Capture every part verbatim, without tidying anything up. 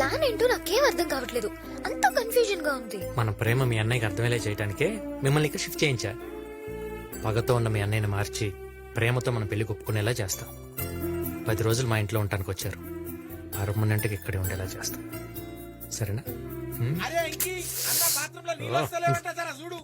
Plan ఏంటో నాకేం అర్థం కావట్లేదు, అంత కన్ఫ్యూజన్ గా ఉంది. మన ప్రేమ మీ అన్నయ్యకి అర్థమయ్యేలా చేయడానికే మిమ్మల్ని ఇక్కడ షిఫ్ట్ చేయించా. పగతో ఉన్న మీ అన్నయ్యని మార్చి ప్రేమతో మన పెళ్లి ఒప్పుకునేలా చేస్తాం. పది రోజులు మా ఇంట్లో ఉండటానికి వచ్చారు, పర్మనెంట్గా ఇక్కడే ఉండేలా చేస్తాం. సరేనా? హ్మ్? చూడు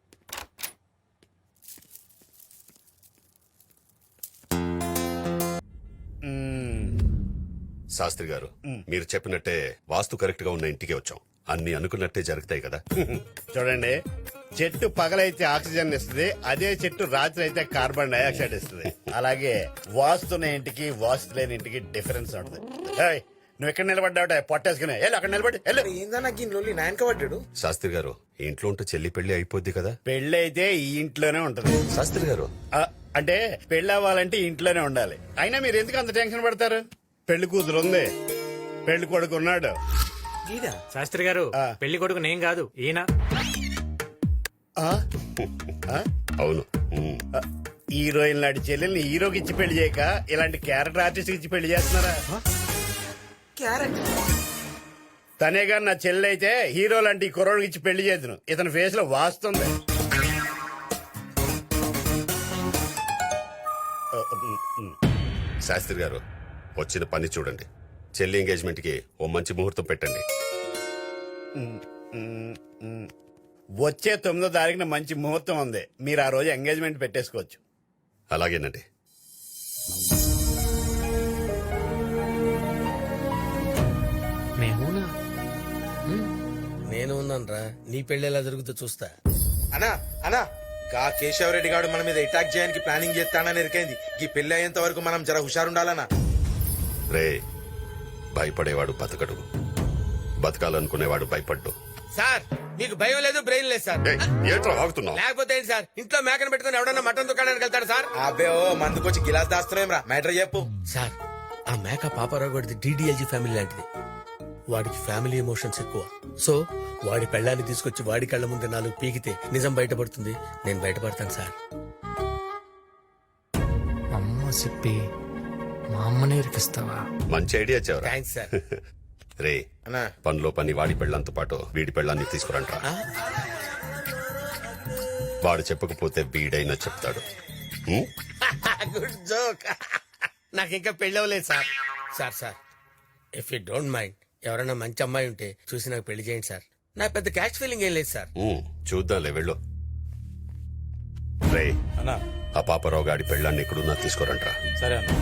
శాస్త్రి గారు, మీరు చెప్పినట్టే వాస్తు కరెక్ట్ గా ఉన్న ఇంటికి వచ్చాం. అన్ని అనుకున్నట్టే జరుగుతాయి కదా. చూడండి, చెట్టు పగలైతే ఆక్సిజన్ ఇస్తుంది, అదే చెట్టు రాత్రి అయితే కార్బన్ డైఆక్సైడ్ ఇస్తుంది. అలాగే వాస్తున్న ఇంటికి వాస్తు లేని ఇంటికి డిఫరెన్స్ ఉంటుంది. ఏయ్, నువ్వు ఎక్కడ నిలబడ్డావుట పొట్టేసుకునే వెళ్ళు, అక్కడ నిలబడి వెళ్ళు. ఏందన్నా గిన్నె నాయనక పడ్డాడు. శాస్త్రి గారు, ఈ ఇంట్లో ఉంటే చెల్లి పెళ్లి అయిపోద్ది కదా. పెళ్లి అయితే ఈ ఇంట్లోనే ఉంటుంది. శాస్త్రి గారు, ఆ, అంటే పెళ్లి అవ్వాలంటే ఇంట్లోనే ఉండాలి. అయినా మీరు ఎందుకు అంత టెన్షన్ పడతారు? పెళ్లి కూతురు ఉంది, పెళ్లి కొడుకు ఉన్నాడు. శాస్త్రి గారు, పెళ్లి కొడుకు నేను కాదు, ఈయన. ఆ? ఆ? అవును. ఉమ్. హీరోయిన్ లాంటి చెల్లెల్ని హీరోకి ఇచ్చి పెళ్లి చేయక ఇలాంటి క్యారెక్టర్ ఆర్టిస్ట్ ఇచ్చి పెళ్లి చేస్తున్నారా? తనే గాని నా చెల్లి అయితే హీరో లాంటి కుర్రోడికి ఇచ్చి పెళ్లి చేద్దును. ఇతని ఫేస్ లో వాస్తుంది. శాస్త్రి గారు, వచ్చిన పని చూడండి. చెల్లి ఎంగేజ్మెంట్ కి ఓ మంచి ముహూర్తం పెట్టండి. వచ్చే తొమ్మిదో తారీఖున మంచి ముహూర్తం ఉంది. మీరు ఆ రోజు ఎంగేజ్మెంట్ పెట్టేసుకోవచ్చు. అలాగేనండి. మేమునా? నేను ఉన్నాను రా, నీ పెళ్లి ఎలా జరుగుతుందో చూస్తా. అనా అనా గా కేశవరెడ్డి గారు మన మీద అటాక్ చేయడానికి ప్లానింగ్ చేస్తానని ఎరికైంది. ఈ పెళ్లి అయ్యేంత వరకు మనం జర హుషారుండాలనా. రే, భయపడేవాడు బతకడు, బతకాలనుకునేవాడు భయపడ్డు. సార్, మీకు భయం లేదు, బ్రెయిన్ లేదు సార్. ఏయ్, ఏంట్రా వాగుతున్నావ్? లేకపోతే ఏంటి సార్, ఇంట్లో మేకను పెట్టుకుని ఎవడన్నా మటన్ దుకాణానికి వెళ్తాడు సార్? అబ్బే ఓ మందుకొచ్చి గిలాస్ దాస్తున్నాం రా. మ్యాటర్ చెప్పు సార్. ఆ మేక పాపారావు గడిది డిడిఎల్జీ ఫ్యామిలీ లాంటిది. వాడికి ఫ్యామిలీ ఎమోషన్స్ ఎక్కువ. సో వాడి పెళ్ళాన్ని తీసుకొచ్చి వాడి కళ్ళ ముందు నాలుగు పీకితే నిజం బయటపడుతుంది. నేను బయటపడతాను సార్. అమ్మ చెప్పి మా అమ్మని ఇరికిస్తావా? మంచి ఐడియా చెవరా. Thanks sir. రే, అన్నా పనిలో పని వాడి పెళ్ళంతో పాటు వీడి పెళ్ళాన్ని తీసుకురంట్రా. వాడు చెప్పకపోతే వీడైనా చెప్తాడు. ఉమ్? Good joke. నాకు ఇంకా పెళ్ళి అవ్వలేదు sir. Sir sir if you don't mind, ఎవరైనా మంచి అమ్మాయి ఉంటే చూసి నాకు పెళ్లి చేయండి సార్. నా పెద్ద క్యాష్ ఫీలింగ్ ఏం లేదు సార్. ఉమ్, చూద్దాంలే, వెళ్ళు. రే, అన్నా ఆ పాపారావు గాడి పెళ్ళాన్ని ఎక్కడున్నా తీసుకురంట్రా. సరే అన్న.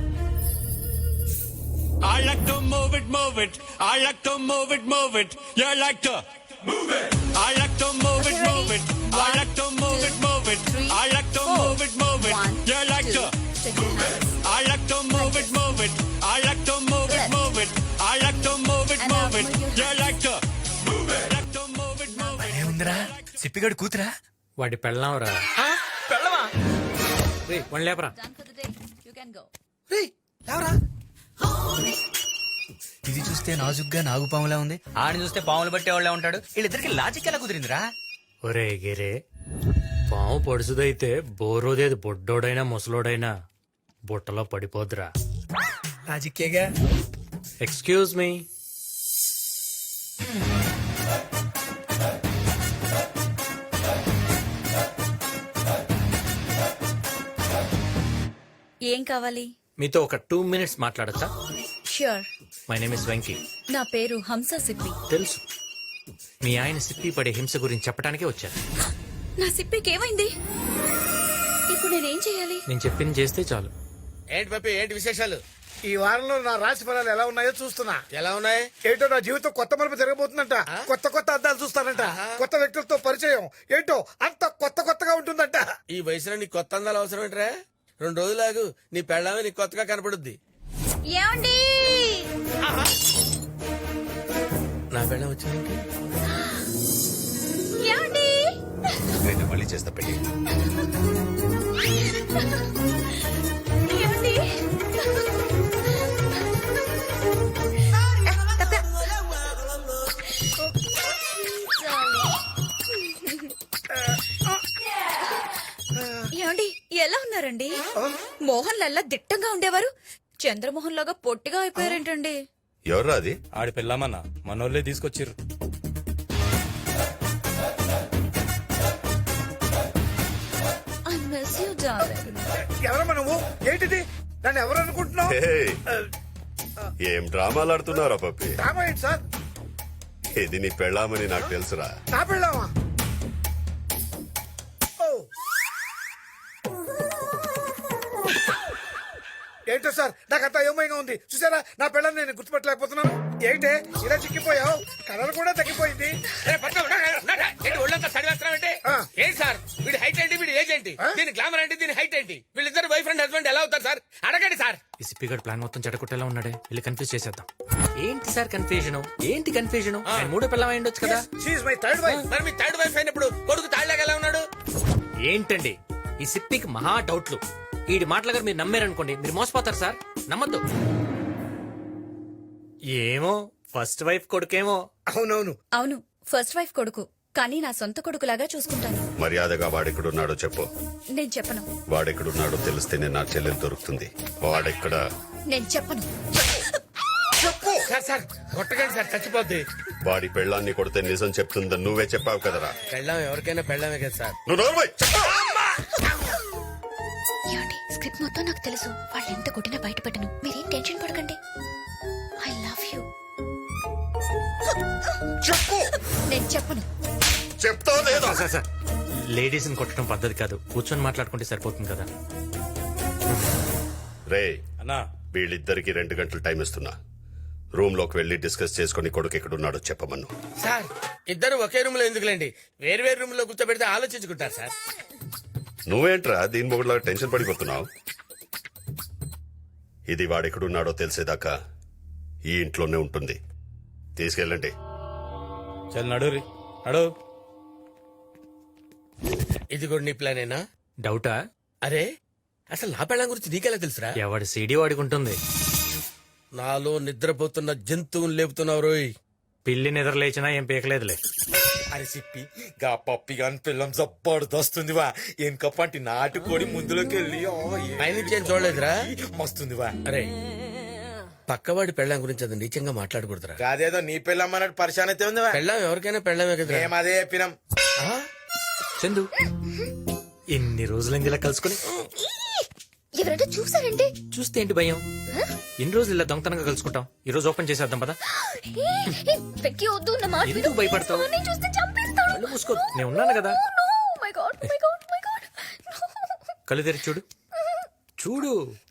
I like to move it, move it. I like to move it, move it. You like to move it. I like to move it, move it. I like to move it, move it. I like to move it, move it. You like to move it. I like to move it, move it. I like to move it, move it. I like to move it, move it. You like to move it. Like to move it, move it. ఏముందిరా, సిప్పిగడు కూతురా? వాడి పెళ్ళాంరా. పెళ్ళవా? రే, one లేపరా. ఇది చూస్తే నాజుగ్గా నాగుపాములా ఉంది, ఆడిని చూస్తే పాములు పట్టేవాళ్ళే ఉంటాడు. వీళ్ళిద్దరికి లాజిక్ ఎలా కుదిరిందిరా? ఒరే గిరే, పాము పొడుసుదైతే బోరోదేది బొడ్డోడైనా ముసలోడైనా బుట్టలో పడిపోద్రా. లాజిక్కేగా. Excuse me. ఏం కావాలి? మీతో ఒక టూ మినిట్స్ మాట్లాడచ్చా? Sure. My name is Venky. నా పేరు హంస సిప్పి. తెలుసు, మీ ఆయన సిప్పి పడే హింస గురించి చెప్పడానికే వచ్చాను. నా సిప్పికి ఏమైంది? ఇప్పుడు నేనేం చేయాలి? నేను చెప్పింది చేస్తే చాలు. ఏంటి పప్పి, ఏంటి విశేషాలు? ఈ వారంలో నా రాశి ఫలాలు ఎలా ఉన్నాయో చూస్తున్నా. ఎలా ఉన్నాయి? ఏంటో నా జీవితం కొత్త మలుపు జరగబోతుందంట. కొత్త కొత్త అద్దాలు చూస్తానంట. కొత్త వ్యక్తులతో పరిచయం. ఏంటో అంత కొత్త కొత్తగా ఉంటుందంట. ఈ వయసులో నీ కొత్త అందాలు అవసరం ఏంట్రా? రెండు రోజులాగు, నీ పెళ్ళామే నీకు కొత్తగా కనపడుద్ది. ఏమండి? నా పెళ్ళం వచ్చింది. ఏమండి? నేను మళ్ళీ చేస్తా పెళ్లి. ఏమండి? ఏమండి, ఎలా ఉన్నారండి? మోహన్ లల్లా దిట్టంగా ఉండేవారు, చంద్రమోహన్ లాగా పొట్టిగా అయిపోయారేంటండి? ఎవర్రా అది? ఆడి పెళ్ళామన్నా మనోళ్ళే తీసుకొచ్చిర్రు. I miss you darling. ఎవరమ్మా నువ్వు? ఏంటిది? నన్ను ఎవరు అనుకుంటున్నావు? హే, ఏం డ్రామాలు ఆడుతున్నారా పప్పి? డ్రామా ఏంటి సార్? ఇది నీ పెళ్ళామని నాకు తెలుసురా. నా పెళ్ళామా? ఓ. ఏంటో సార్ నాకంతా ఏమైనా ఉంది చూసారా? నా పెళ్ళని నేను గుర్తుపట్టలేకపోతున్నాను. ఏంటే ఇలా చిక్కిపోయావు? కలర్ కూడా తగ్గిపోయింది. ఏ, పట్టుకో, నా, నా, నా, నా. ఏంటి ఒళ్ళంతా చదివేస్తున్నావు? ఆ. ఏంటి సార్ వీడి హైట్ ఏంటి, వీడి ఏజ్ ఏంటి, దీని గ్లామర్ ఏంటి, దీని హైట్ ఏంటి, వీళ్ళిద్దరు వైఫ్ అండ్ హస్బెండ్ ఎలా అవుతారు సార్? అడగండి సార్. ఈ సిప్పిగడ్ ప్లాన్ మొత్తం చెడగొట్టేలా ఉన్నాడే, వెళ్ళి కన్ఫ్యూజ్ చేసేద్దాం. ఏంటి సార్ కన్ఫ్యూజన్? ఏంటి కన్ఫ్యూజన్? ఆయన మూడో పిల్లలు అయి ఉండొచ్చు కదా. She my third wife. మరి మీ థర్డ్ వైఫ్ అయినప్పుడు కొడుకు తాళ్ళగా ఎలా ఉన్నాడు? ఏంటండి ఈ సిప్పికి మహా డౌట్లు. ఈడి మాటల గారు మీరు నమ్మారనుకోండి, మీరు మోసపోతారు సార్. నమ్మద్దు. ఏమో ఫస్ట్ వైఫ్ కొడుకేమో. అవునవును. అవును, ఫస్ట్ వైఫ్ కొడుకు, కానీ నా సొంత కొడుకులాగా చూసుకుంటాను. మర్యాదగా వాడెక్కడున్నాడో చెప్పు. నేను చెప్పను. వాడెక్కడున్నాడో తెలిస్తేనే నా చెల్లెలు దొరుకుతుంది. వాడెక్కడ? నేను చెప్పను. సార్ సార్ కొట్టకండి సార్, చచ్చిపోద్ది. వాడి పెళ్ళాన్ని కొడితే నిజం చెప్తుందని నువ్వే చెప్పావు కదరా. పెళ్ళాం ఎవరికైనా పెళ్ళామే కదా సార్. నువ్వు నోరు మూయ్. ఏమండి, స్క్రిప్ట్ మొత్తం నాకు తెలుసు. వాళ్ళు ఎంత కొట్టినా బయట పెట్టను. మీరేం టెన్షన్ పడకండి. I love you. చెప్పు. నేను చెప్పను. చెప్తావు లేదా? సార్ సార్ లేడీస్ ని కొట్టడం పద్ధతి కాదు, కూర్చొని మాట్లాడుకుంటే సరిపోతుంది కదా. రే, అన్నా వీళ్ళిద్దరికి రెండు గంటలు టైం ఇస్తున్నా. రూమ్ లోకి వెళ్లి డిస్కస్ చేసుకుని కొడుకు ఎక్కడున్నాడో చెప్పమను. సార్ ఇద్దరు ఒకే రూమ్ లో ఎందుకులేండి, వేరు వేరు రూమ్ లో కూర్చోబెడితే ఆలోచించుకుంటారు సార్. నువ్వేంట్రా దీని మొగుడులాగా టెన్షన్ పడిపోతున్నావు? ఇది వాడెక్కడున్నాడో తెలిసేదాకా ఈ ఇంట్లోనే ఉంటుంది. తీసుకెళ్ళండి. చల్ నడు రీ నడు. ఇది కూడా నీ ప్లానేనా? డౌటా? అరే అసలు నా పెళ్ళం గురించి నీకెలా తెలుసురా? ఎవడి సీడీ వాడికి ఉంటుంది. నాలో నిద్రపోతున్న జంతువుని లేపుతున్నావు రోయ్. పిల్లి నిద్ర లేచినా ఏం పీకలేదులే. అని చెప్పి గా పప్పి గాని పిల్లం జబ్బర్దొస్తుంది వా. ఎనకప్పంటి నాటుకోడి ముందులోకి వెళ్ళి పైనుంచి ఏం చూడలేదురా? మస్తుంది వా. అరే పక్కవాడి పెళ్ళం గురించి అది నీచంగా మాట్లాడకూడదురా. కాదేదో నీ పిల్లం అన్నట్టు పరిశాన్ అయితే ఉంది వా. పెళ్ళం ఎవరికైనా పెళ్ళమే కదా. మేము అదే చెప్పినాం. చందు ఎన్ని రోజులైంది ఇలా కలుసుకుని. ఎవరైనా చూసారండి? చూస్తే ఏంటి భయం? ఎన్ని రోజులు ఇలా దొంగతనంగా కలుసుకుంటాం. ఈ రోజు ఓపెన్ చేసేద్దాం పదా. వెక్కి వద్దు, నా మాట ఎందుకు భయపడతావు? విను. చూస్తే చంపేస్తాడు. కళ్ళు మూసుకో, నేను ఉన్నాను కదా. No, my God, my God, my God. కళ్ళు తెరిచి చూడు. చూడు.